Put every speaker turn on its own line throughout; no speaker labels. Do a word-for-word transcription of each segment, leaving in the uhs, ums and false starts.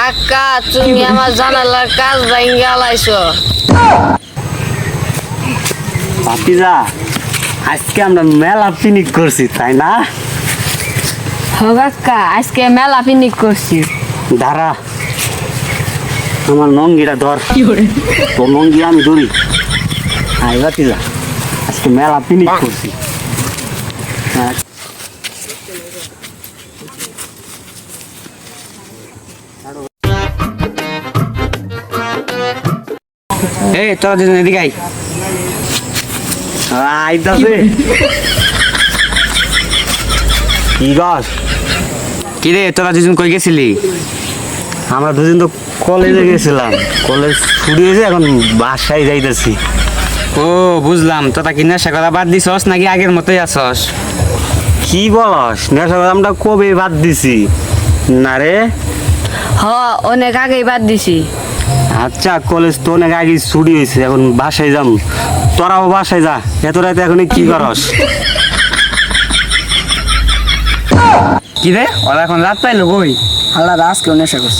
কাকা তুমি আমার জানালার কাজ ভাঙ্গা লাইছো।
ভাতিজা আজকে আমরা মেলা পিকনিক করছি তাই না?
হ কাকা আজকে মেলা পিকনিক করছি।
দাঁড়া আমার নঙ্গিটা ধর, তো নঙ্গি আমি ধরি। আই ভাতিজা আজকে মেলা পিকনিক করছি। হ্যাঁ। এই তোরা দুজন এদিকে আই। আইতাছে কি গস? কি রে তোরা দুজন কই গেছিলি? আমরা দুজন তো কলেজে গেছিলাম, কলেজ ছুটি হয়েছে, এখন বাসায় যাইতেছি।
ও বুঝলাম, তোরা কি নেশা করা বাদ দিছস নাকি আগের মতোই আছস?
কি বলস? নেশা করা আমরা কবে বাদ দিছি না রে।
হ অনেক আগেই বাদ দিছি।
আচ্ছা কলেজ তো অনেক আগে ছুটি হয়েছে, এখন বাসায় যাম। তোরাও বাসায় যা, এত রাতে এখন কি করস?
কি রে ওরা এখন রাত পাইলো কই?
আল্লাহ আজকেও নেশা করছি।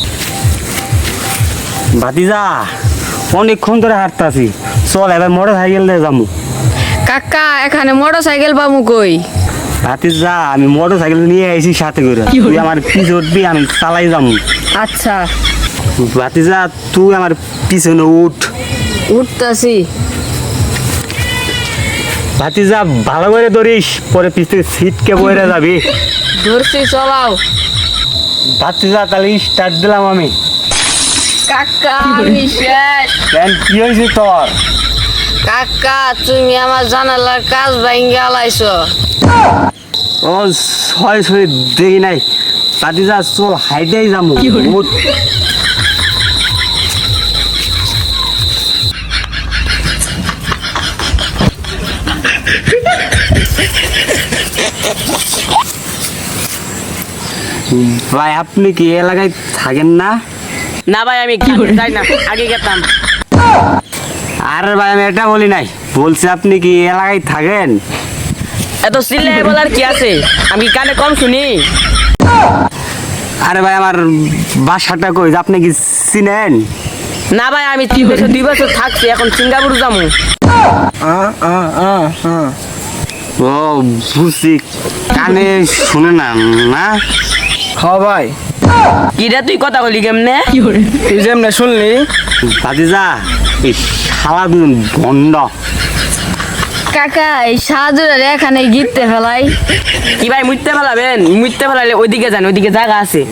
ভাতিজা অনেকক্ষণ ধরে হাঁটতাছি, চল এবার মোটর সাইকেল দিয়ে যাবো।
কাকা এখানে মোটর সাইকেল পাবো কই?
ভাতিজা আমি মোটর সাইকেল নিয়ে আইছি সাথে করে, তুই আমার পিছে উঠবি, আমি চালাই যাবো।
আচ্ছা
ভাতিজা তুই আমার পিছনে উঠ।
উঠতাছি।
ভাতিজা ভালো করে ধরিস, পরে পিছ থেকে সিটকে বইরে যাবি।
ধরছি চলাও।
ভাতিজা তাহলে স্টার্ট দিলাম আমি।
কাকা আমি শেষ।
কেন কি হয়েছে তোর?
কাকা তুমি আমার জানালার কাজ ভাঙ্গা লাইছো।
ও ছয় ছয় দেখি নাই। ভাতিজা চল হাইটেই যাবো। উঠ। ভাই আপনি কি এলাকায় থাকেন না?
না ভাই আমি যাই না, আগে গেতাম।
আরে ভাই আমি এটা বলি নাই, বলছি আপনি কি এলাকায় থাকেন?
এত সিলে বলার কি আছে, আমি কানে কম শুনি।
আরে ভাই আমার বাসাটা কই, আপনি কি চিনেন?
না ভাই আমি তিন বছর দুই বছর থাকছি, এখন সিঙ্গাপুর যাবো।
ও বুঝছি, কানে শুনে না না?
হ ভাই,
কি রে তুই কথা বলি কেমনে?
তুই যেমনে শুনলি।
ভাতিজা এই শালা দুজন বন্ড।
কাকা এই সাহায্যের এখানে গিরতে ফেলাই।
কি ভাই মুইতে ফেলাবেন? মুইতে ফেলাইলে ওইদিকে যান, ওইদিকে জায়গা আছে।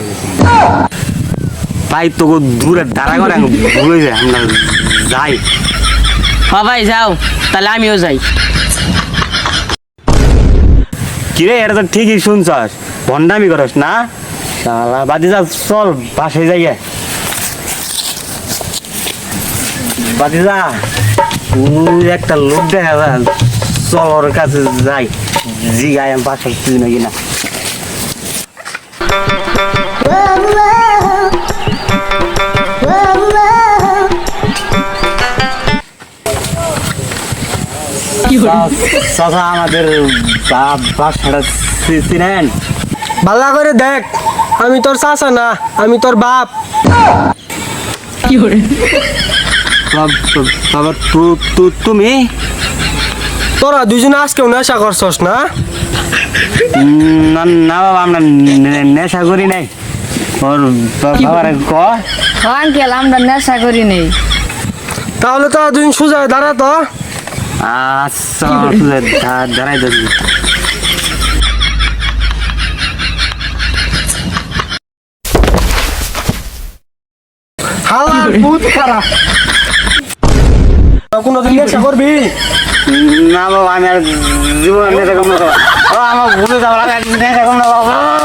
ভাই তোকে দূরে দাঁড়া করে ভুলে যায়, আমরা যাই।
হ ভাই যাও, তাহলে আমিও যাই।
কিরে এটা তো ঠিকই শুনছস, ভন্ডামি করস না শালা। ভাতিজা চল বাসায় যাই। ভাতিজা ওই একটা লোক দেখা যায়, চল ওর কাছে যাই, জিগাই আমি বাসায় তুই নাকি না। চাচা আমাদের বাসাটা চিনেন?
ভালো করে দেখ, আমি তোর চাচা না, আমি তোর বাপ।
বাবা তুমি?
তোরা দুজনে আজকেও নেশা করছস না?
না না বাবা আমরা নে- নেশা করি নাই। ওর বাবার ক
আঙ্কেল আমরা নেশা করি নেই।
তাহলে তোরা দুজন সোজা দাঁড়া তো।
আচ্ছা দাঁড়াই ধরবি।
হালা বহুত খারাপ। কোনোদিন নেশা করবি?
না বাবা আমি আর জীবন নেশা কম না। আমার ভুলে যাওয়ার আগে নেশা কম না বাবা।